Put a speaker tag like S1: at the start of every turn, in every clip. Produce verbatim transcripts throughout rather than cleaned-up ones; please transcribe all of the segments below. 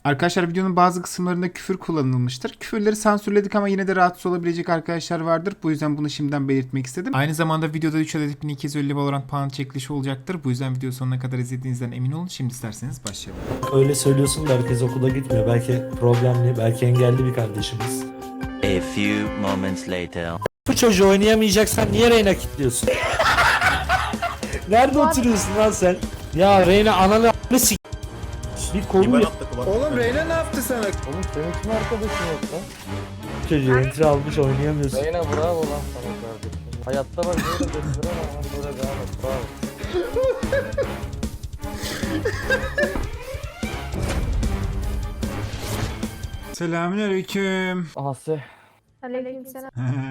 S1: Arkadaşlar videonun bazı kısımlarında küfür kullanılmıştır. Küfürleri sansürledik ama yine de rahatsız olabilecek arkadaşlar vardır. Bu yüzden bunu şimdiden belirtmek istedim. Aynı zamanda videoda üç adet bin iki yüz elli Valorant puan çekilişi olacaktır. Bu yüzden video sonuna kadar izlediğinizden emin olun. Şimdi isterseniz başlayalım.
S2: Öyle söylüyorsun da herkes okula gitmiyor. Belki problemli, belki engelli bir kardeşimiz.
S3: A few moments later.
S2: Bu çocuğu oynayamayacaksan niye Reyna kilitliyorsun? Nerede oturuyorsun lan sen? Ya Reyna ananı a**ını s***. Bir kolu yok.
S1: Oğlum Reyna ne yaptı sana?
S4: Oğlum senin kim arkadaşın yok lan?
S2: Çocuğu entry almış oynayamıyorsun.
S4: Reyna bravo lan sana kardeşim. Hayatta bak böyle bekliyorum ama böyle devam et bravo.
S1: Selamünaleyküm.
S4: Ahse.
S5: Aleykümselam.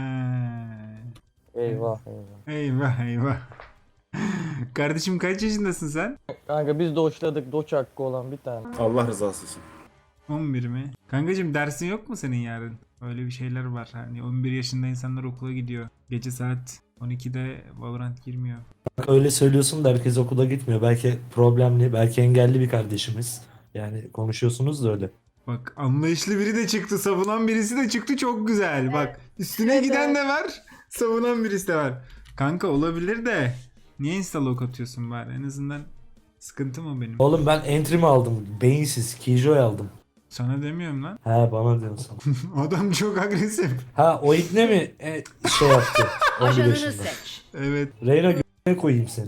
S4: Eyvah eyvah.
S1: Eyvah eyvah. Kardeşim kaç yaşındasın sen?
S4: Kanka biz doçladık doç hakkı olan bir tane.
S6: Allah rızası için.
S1: on bir mi? Kankacığım dersin yok mu senin yarın? Öyle bir şeyler var. Hani on bir yaşında insanlar okula gidiyor. Gece saat on ikide Valorant girmiyor.
S2: Bak öyle söylüyorsun da herkes okula gitmiyor. Belki problemli, belki engelli bir kardeşimiz. Yani konuşuyorsunuz da öyle.
S1: Bak anlayışlı biri de çıktı. Savunan birisi de çıktı. Çok güzel. Bak üstüne giden de var. Savunan birisi de var. Kanka olabilir de niye instalok atıyorsun bari? En azından sıkıntı mı benim?
S2: Oğlum ben entry mi aldım? Beyinsiz, Killjoy aldım.
S1: Sana demiyorum lan.
S2: He bana diyorsun.
S1: Adam çok agresif.
S2: Ha o ikne mi e, şey yaptı? on bir
S7: Ajanını
S2: yaşında.
S7: seç.
S1: Evet.
S2: Reyna g***ne koyayım seni.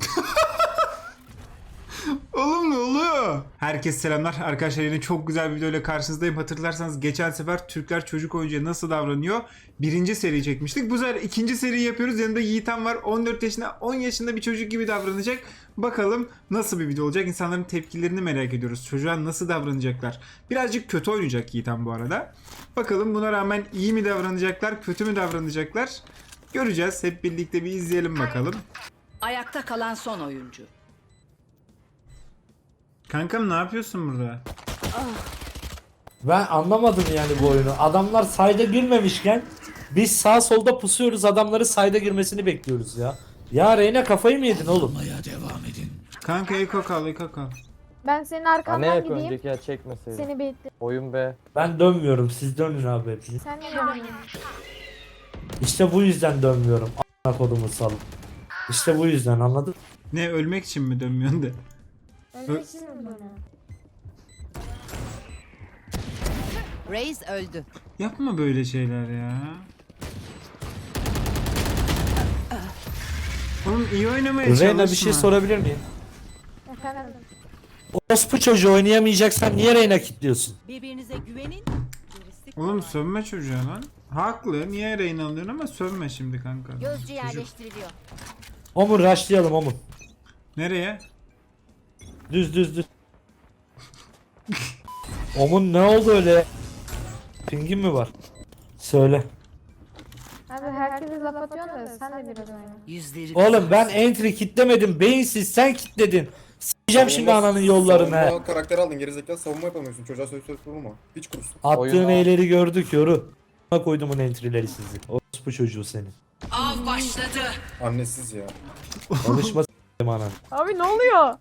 S1: Oğlum ne oluyor? Herkese selamlar. Arkadaşlar yine çok güzel bir videoyla karşınızdayım. Hatırlarsanız geçen sefer Türkler çocuk oyuncuya nasıl davranıyor? Birinci seri çekmiştik. Bu sefer ikinci seri yapıyoruz. Yanında Yiğitan var. on dört yaşında, on yaşında bir çocuk gibi davranacak. Bakalım nasıl bir video olacak? İnsanların tepkilerini merak ediyoruz. Çocuğa nasıl davranacaklar? Birazcık kötü oynayacak Yiğitan bu arada. Bakalım buna rağmen iyi mi davranacaklar, kötü mü davranacaklar? Göreceğiz. Hep birlikte bir izleyelim bakalım.
S7: Ayakta kalan son oyuncu.
S1: Kankam ne yapıyorsun burada?
S2: Ben anlamadım yani bu oyunu. Adamlar sayda girmemişken biz sağ solda pusuyoruz, adamları sayda girmesini bekliyoruz ya. Ya Reyna kafayı mı yedin oğlum?
S1: Kanka Eko kal, Eko kal.
S5: Ben senin
S4: Ha ne
S5: arkandan
S4: yak
S5: gideyim.
S4: önceki ya çekmeseydin.
S5: Seni bekle.
S4: Oyun be.
S2: Ben dönmüyorum, siz dönün abi hepiniz.
S5: Sen ne dönüyorsun?
S2: İşte bu yüzden dönmüyorum. A**ına kodumu salın. İşte bu yüzden anladın?
S1: Ne ölmek için mi dönmüyorsun de?
S5: Ölmek için mi böyle?
S7: Reis öldü.
S1: Yapma böyle şeyler ya. Oğlum iyi oynamaya çalışma.
S2: Reyna bir şey sorabilir miyim?
S5: Efendim.
S2: Orospu çocuğu oynayamayacaksan niye Reyna kilitliyorsun?
S7: Birbirinize güvenin. Gerisi
S1: Oğlum
S7: kolay.
S1: sövme çocuğa lan. Haklı. Niye Reyna alıyorsun ama sövme şimdi kanka.
S7: Gözcü
S1: Çocuk.
S7: yerleştiriliyor.
S2: Omun rushlayalım Omun.
S1: Nereye?
S2: Düz düz düz. Omun ne oldu öyle? Pingin mi var? Söyle.
S5: Abi herkese laf atıyorsun da sen de biraz oyna.
S7: Yüzleri
S2: Oğlum ben entry kitlemedim. Beyinsiz sen kitledin. S**eceğim şimdi ananın yollarını. he.
S6: Savunma karakteri aldın gerizekalı savunma yapamıyorsun. Çocuğa söz söz vurma. Hiç kurusun.
S2: Attığın
S4: Oyun-
S2: eyleri gördük yoru. A**ına koydumun entry'leri sizi. Orospu çocuğu seni.
S7: av başladı.
S6: Annesiz ya.
S2: Konuşma s**eyim anan.
S5: Abi ne oluyor?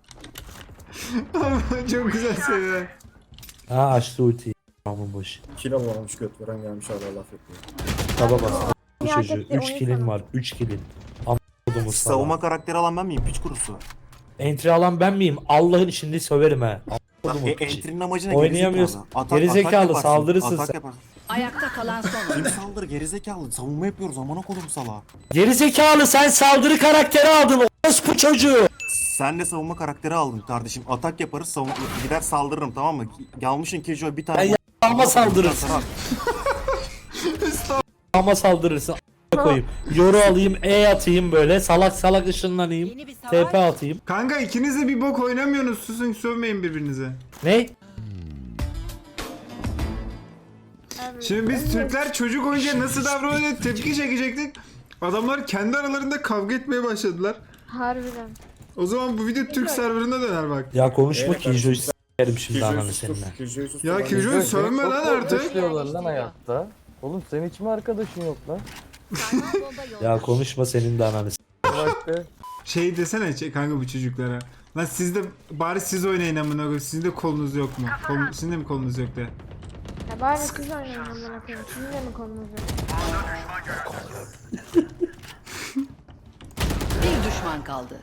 S1: Çok güzel söyler.
S2: Ha açtı ultiyi. Aman boş.
S6: Kilo alamamış göt veren gelmiş hala laf yapıyor.
S2: Taba bas. Bu
S5: Bir hak
S2: çocuğu.
S5: etti,
S2: üç
S5: onu
S2: kilin
S5: sana.
S2: var. üç kilin. Aman kodumu
S8: Savunma
S2: sana.
S8: karakteri alan ben miyim? Piç kurusu.
S2: Entry alan ben miyim? Allah'ın içinde söverim he. Aman
S8: E,
S2: kodumu piçi.
S8: Entry'nin amacı ne?
S2: Oynayamıyorsun.
S8: Gerizekalı. Atak-
S2: Gerizekalı,
S8: atak yaparsın,
S2: saldırırsın
S8: atak
S2: sen.
S8: yaparsın.
S7: Ayakta kalan son
S8: Kim
S7: oyuncu.
S8: saldır gerizekalı? Savunma yapıyoruz amına kodum sala.
S2: Gerizekalı sen saldırı karakteri aldın. Orospu çocuğu.
S8: Sen de savunma karakteri aldın kardeşim. Atak yaparız, savun gider saldırırım tamam mı? Gelmişin Killjoy bir tane.
S2: Ben Ama saldırırsın. Ama saldırırsın. A**ına koyayım. Yoru alayım, E atayım böyle. Salak salak ışınlanayım.
S7: Yeni bir
S2: T
S7: savaş.
S2: P atayım.
S1: Kanka ikiniz de bir bok oynamıyorsunuz. Susun sövmeyin birbirinize.
S2: Ne?
S5: Abi,
S1: Şimdi biz
S5: ölmek-
S1: Türkler çocuk oyuncuya nasıl davranıyor diye tepki çekecektik. Adamlar kendi aralarında kavga etmeye başladılar.
S5: Harbiden.
S1: O zaman bu video Türk serverına döner bak.
S2: Ya konuşma
S6: Evet,
S2: ki Killjoy'u s**erim şimdi
S6: Killjoy'u
S2: ananı
S6: sustur.
S2: seninle.
S6: Killjoy'u sustur.
S1: Ya
S6: Ben-
S1: Killjoy
S4: Seni
S1: sövme
S4: çok
S1: lan artık.
S4: korkutuyorlar lan hayatta. Oğlum senin hiç mi arkadaşın yok lan?
S7: Sarmal bomba yolda.
S2: Ya konuşma senin de ananı s**erim.
S4: baktı.
S1: Şey desene şey, kanka bu çocuklara. Lan siz de bari siz oynayın amına koyayım. Sizin de kolunuz yok mu? Kol, sizin de mi kolunuz yok de?
S5: Ya bari siz oynayın amına koyayım. Sizin de mi kolunuz yok?
S7: Bir düşman kaldı.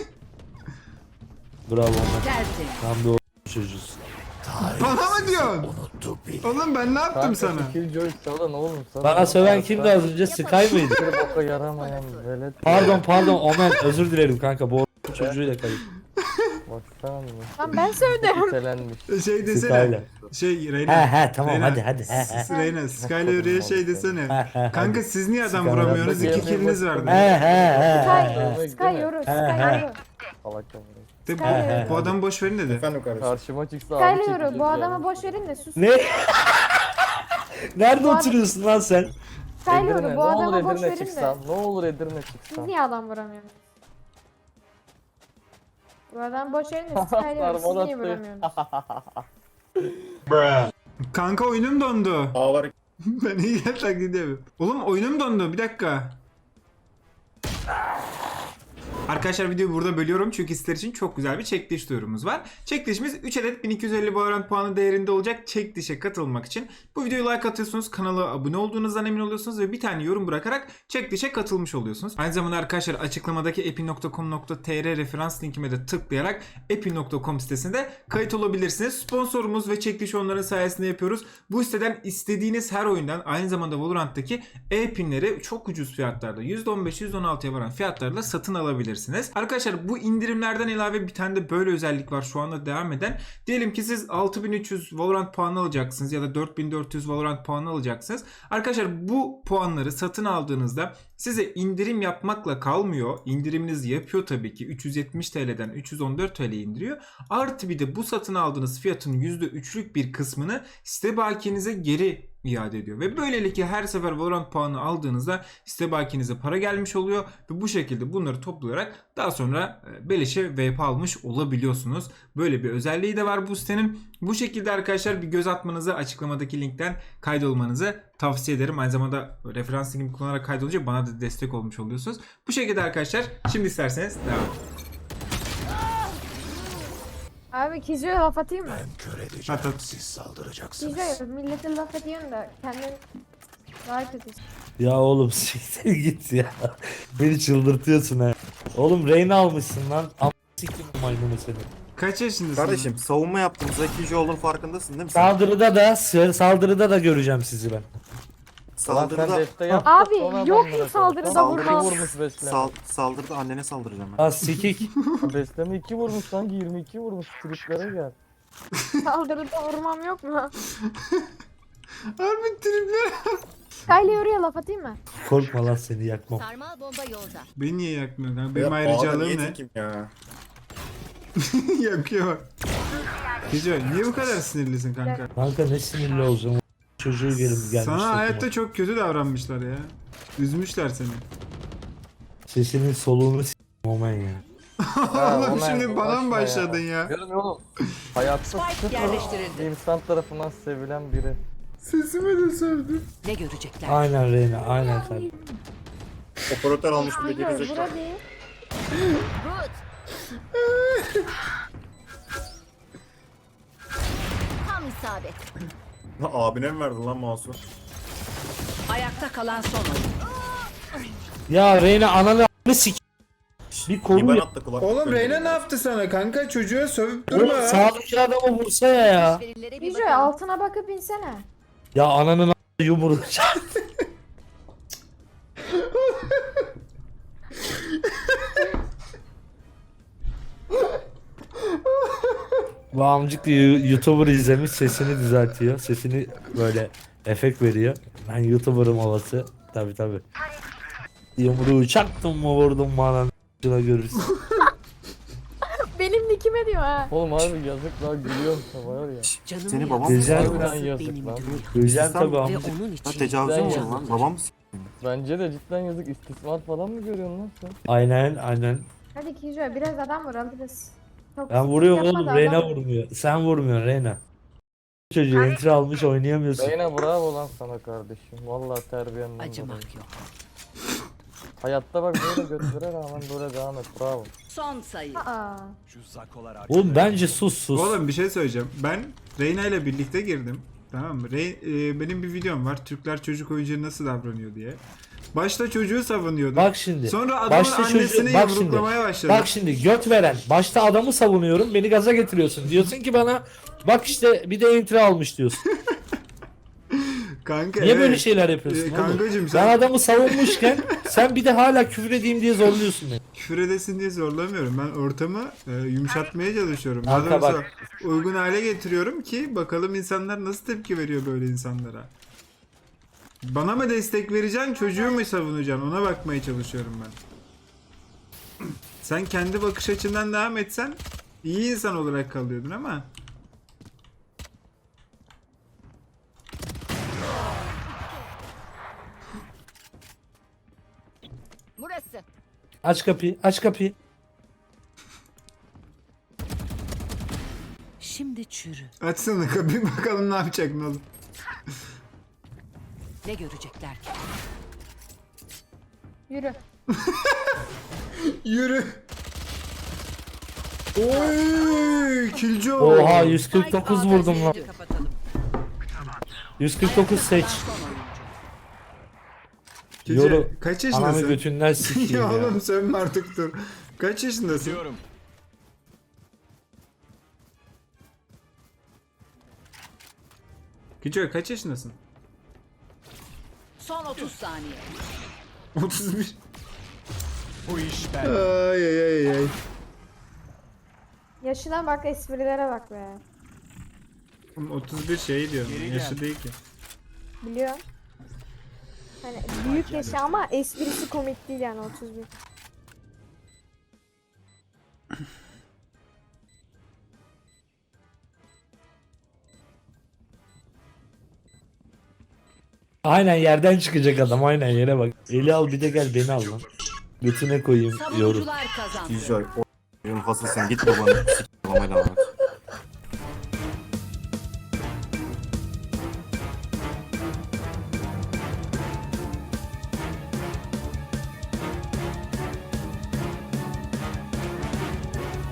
S2: Bravo Ömer.
S7: Tertemiz.
S2: Tam da o çocuğuz.
S1: Bana mı diyorsun? Oğlum ben ne yaptım
S4: Kanka
S1: sana?
S4: Killjoy salın oğlum sana.
S2: Bana söven kimdi az önce? Sky mıydı?
S4: Bir boka yaramayan velet.
S2: Pardon pardon Omen özür dilerim kanka bu o- çocuğuyla kayıp.
S4: Baksana mı?
S5: Lan ben söyledim.
S4: Telenmiş.
S1: Şey desene.
S2: Sky'la.
S1: Şey
S2: He
S1: Reyna.
S2: he tamam
S1: Reyna,
S2: hadi hadi he he.
S1: S- Reyna, Skyler'e şey desene.
S2: He he
S1: Kanka siz niye adam
S2: Skyler.
S1: vuramıyorsunuz? İki killiniz
S2: he
S1: vardı.
S2: he he
S5: Sky,
S2: he.
S5: Sky yoru, Sky
S2: he.
S5: yoru.
S4: Salak amına.
S1: De,
S5: Sky yoru.
S1: bu adamı boş verin dedi.
S6: Efendim kardeşim.
S4: Karşıma çıksa abi
S5: Sky yoru.
S4: çekecek
S5: Bu
S4: yani.
S5: adamı boş verin de sus.
S2: Ne? Nerede oturuyorsun lan sen?
S5: Sky
S4: Edirne,
S5: yoru.
S4: ne
S5: Bu
S4: olur
S5: adamı boş
S4: Edirne
S5: verin de.
S4: çıksan. Ne olur Edirne
S5: Siz
S4: çıksan.
S5: niye adam vuramıyorsunuz? Bu adamı boş verin de Sky yoru. Siz
S4: Sarmal
S5: niye
S4: attı.
S5: vuramıyorsunuz?
S1: Kanka oyunum dondu.
S6: Ağlar.
S1: Ben iyi gel taklit edemem. Oğlum oyunum dondu bir dakika. Arkadaşlar videoyu burada bölüyorum çünkü sizler için çok güzel bir çekiliş duyurumuz var. Çekilişimiz üç adet bin iki yüz elli Valorant puanı değerinde olacak. Çekilişe katılmak için bu videoyu like atıyorsunuz, kanala abone olduğunuzdan emin oluyorsunuz ve bir tane yorum bırakarak çekilişe katılmış oluyorsunuz. Aynı zamanda arkadaşlar açıklamadaki epin nokta com nokta tr referans linkime de tıklayarak epin nokta com sitesinde kayıt olabilirsiniz. Sponsorumuz ve çekiliş onların sayesinde yapıyoruz. Bu siteden istediğiniz her oyundan aynı zamanda Valorant'taki e-pinleri çok ucuz fiyatlarda yüzde on beş yüzde on altıya varan fiyatlarla satın alabilirsiniz. Arkadaşlar bu indirimlerden ilave bir tane de böyle özellik var şu anda devam eden. Diyelim ki siz altı bin üç yüz Valorant puanı alacaksınız ya da dört bin dört yüz Valorant puanı alacaksınız. Arkadaşlar bu puanları satın aldığınızda size indirim yapmakla kalmıyor. İndiriminiz yapıyor tabii ki. üç yüz yetmiş TL'den üç yüz on dört TL'ye indiriyor. Artı bir de bu satın aldığınız fiyatın yüzde üçlük bir kısmını site bakiyenize geri iade ediyor. Ve böylelikle her sefer Valorant puanı aldığınızda site bakiyenize para gelmiş oluyor. Ve bu şekilde bunları toplayarak daha sonra beleşe V P almış olabiliyorsunuz. Böyle bir özelliği de var bu sitenin. Bu şekilde arkadaşlar bir göz atmanızı, açıklamadaki linkten kaydolmanızı tavsiye ederim. Aynı zamanda referans linkimi kullanarak kaydolunca bana da destek olmuş oluyorsunuz. Bu şekilde arkadaşlar şimdi isterseniz devam edelim.
S5: Abi Kijo'ya laf atayım mı?
S1: At at.
S5: Kijo'ya millete laf atıyorsun da kendin daha kötü.
S2: Ya oğlum siktir git ya. Beni çıldırtıyorsun ha. Oğlum Reyna almışsın lan. Am siktir bu maymunu seni.
S1: Kaç yaşındasın?
S8: Kardeşim savunma yaptığımızda ikinci olduğun farkındasın değil mi sen?
S2: Saldırıda da saldırıda da göreceğim sizi ben.
S4: Lan sen
S8: Saldırıda,
S4: defte yaptın.
S5: Abi,
S4: sonra
S5: yok
S4: adamlara
S5: mu saldırıda
S4: saldırı
S5: vurma?
S4: vurmuş besleme.
S8: sal, saldırıda annene saldıracağım ben.
S2: Ha sikik.
S4: Besleme iki vurmuş sanki yirmi iki vurmuş. Triplere gel.
S5: Saldırıda vurmam yok mu?
S1: Harbi tripler.
S5: Sky'le yoruya laf atayım mı?
S2: Korkma lan seni yakmam.
S7: Sarmal bomba yolda.
S1: Beni niye yakmıyor kanka?
S6: Ya,
S1: Benim
S6: ağlar
S1: ayrıcalığım
S6: niye
S1: ne?
S6: tekim ya?
S1: Yakıyor bak. Kijo niye bu kadar sinirlisin kanka?
S2: Kanka ne sinirli olacağım. Çocuğu gelip gelmiş.
S1: Sana hayatta
S2: takıma.
S1: çok kötü davranmışlar ya. Üzmüşler seni.
S2: Sesinin soluğunu s*** Omen ya.
S4: Ha,
S1: Oğlum
S4: Omen,
S1: şimdi bana mı
S4: uğraşma
S1: başladın ya?
S4: Görmüyor oğlum. Hayatta
S7: Spike
S4: sıfır
S7: yerleştirildi.
S4: insan tarafından sevilen biri.
S1: Sesime de sövdü.
S7: Ne görecekler?
S2: Aynen Reyna aynen tabii.
S6: Operatör almış bir de
S5: Kijo vur
S6: gerizekalı.
S5: hadi.
S7: Root. Tam isabet.
S6: Lan abine mi verdin lan mouse'u?
S7: Ayakta kalan son oyun.
S2: Ya Reyna ananı a**ını sik. Bir
S6: İyi
S2: konu
S6: ben
S2: ya.
S6: attı kulak.
S1: Oğlum Reyna ne yaptı sana kanka? Çocuğa sövüp durma.
S2: Oğlum sağdaki adamı vursana ya.
S7: Verilere bir
S5: Kijo'ya
S7: bakalım.
S5: altına bakıp insene.
S2: Ya ananın a**ını yumruğu. Bu amcık da yu- YouTuber izlemiş sesini düzeltiyor. Sesini böyle efekt veriyor. Ben YouTuber'ım havası. Tabi tabi. Yumruğu çaktım mı vurdum mu ananı a**ına görürsün.
S5: Benim nikime diyor ha.
S4: Oğlum harbi yazık lan gülüyorum sana var ya.
S7: Canımı
S8: Seni
S7: yaksın.
S8: babam
S2: Güzel.
S4: Harbiden
S7: Benim
S4: yazık lan.
S7: dünya.
S2: Göreceğim tabi
S7: Ve
S2: amcık.
S7: onun
S8: Ha
S7: için.
S8: tecavüze mi
S4: Ben
S8: uğradın lan?
S4: yazdım.
S8: Babam mı s***?
S4: Bence de cidden yazık istismar falan mı görüyorsun lan sen?
S2: Aynen aynen.
S5: Hadi Kijo'ya biraz adam vur alırız. Çok
S2: Ben vuruyorum
S5: yapma
S2: oğlum
S5: da
S2: Reyna
S5: adam-
S2: vurmuyor. Sen vurmuyorsun Reyna. Çocuğu entry almış oynayamıyorsun.
S4: Beyne bravo lan sana kardeşim. Vallahi terbiyenden dolayı.
S7: Acımak yok.
S4: Hayatta bak böyle götlere rağmen böyle devam et. Bravo.
S7: Son sayı.
S5: Aa.
S2: Oğlum bence sus sus.
S1: Oğlum bir şey söyleyeceğim. Ben Reyna ile birlikte girdim. Tamam mı? Rey, e, benim bir videom var. Türkler çocuk oyuncuya nasıl davranıyor diye. Başta çocuğu savunuyordum.
S2: Bak şimdi.
S1: Sonra adamın
S2: başta
S1: annesini
S2: çocuğu- bak şimdi.
S1: yumruklamaya başladı.
S2: Bak şimdi göt veren. Başta adamı savunuyorum. Beni gaza getiriyorsun. Diyorsun ki bana bak işte bir de entry almış diyorsun.
S1: Kanka,
S2: Niye
S1: evet.
S2: böyle şeyler yapıyorsun?
S1: Ee,
S2: oğlum?
S1: kankacım
S2: Ben
S1: sen
S2: adamı savunmuşken sen bir de hala küfür edeyim diye zorluyorsun beni.
S1: küfür edesin diye zorlamıyorum. Ben ortamı e, yumuşatmaya çalışıyorum.
S2: Kanka
S1: Daha doğrusu
S2: bak.
S1: uygun hale getiriyorum ki bakalım insanlar nasıl tepki veriyor böyle insanlara. Bana mı destek vereceksin, çocuğu mu savunacaksın? Ona bakmaya çalışıyorum ben. Sen kendi bakış açından devam etsen iyi insan olarak kalıyordun ama
S7: Burası.
S2: Aç kapıyı, aç kapıyı.
S7: Şimdi çürü.
S1: açsana kapıyı bakalım ne yapacak ne olur.
S7: Ne görecekler ki?
S5: Yürü.
S1: Yürü. Oy, kilci o.
S2: Oha yüz kırk dokuz vurdum lan.
S7: Kapatalım.
S2: yüz kırk dokuz seç.
S7: Son oyuncu.
S1: Kilci,
S2: Yoru.
S1: kaç
S2: Anamı
S1: yaşındasın?
S2: götünden sikeyim
S1: ya
S2: ya.
S1: oğlum sönme artık dur. Kaç yaşındasın? Kico kaç yaşındasın?
S7: Son otuz saniye.
S1: otuz bir. Bu iş ben. Ay ay ay ay.
S5: Yaşına bak, esprilere bak be.
S1: Oğlum otuz bir şey diyor. Yaşı değil ki.
S5: Biliyorum. Hani büyük yaşı ama esprisi komik değil yani otuz bir.
S2: Aynen yerden çıkacak adam aynen yere bak. Eli al bir de gel beni al lan. Götüne koyayım yorum.
S7: Savunucular kazandı.
S8: Kijoy. O hasılsın git babanı. Sik babayla bak.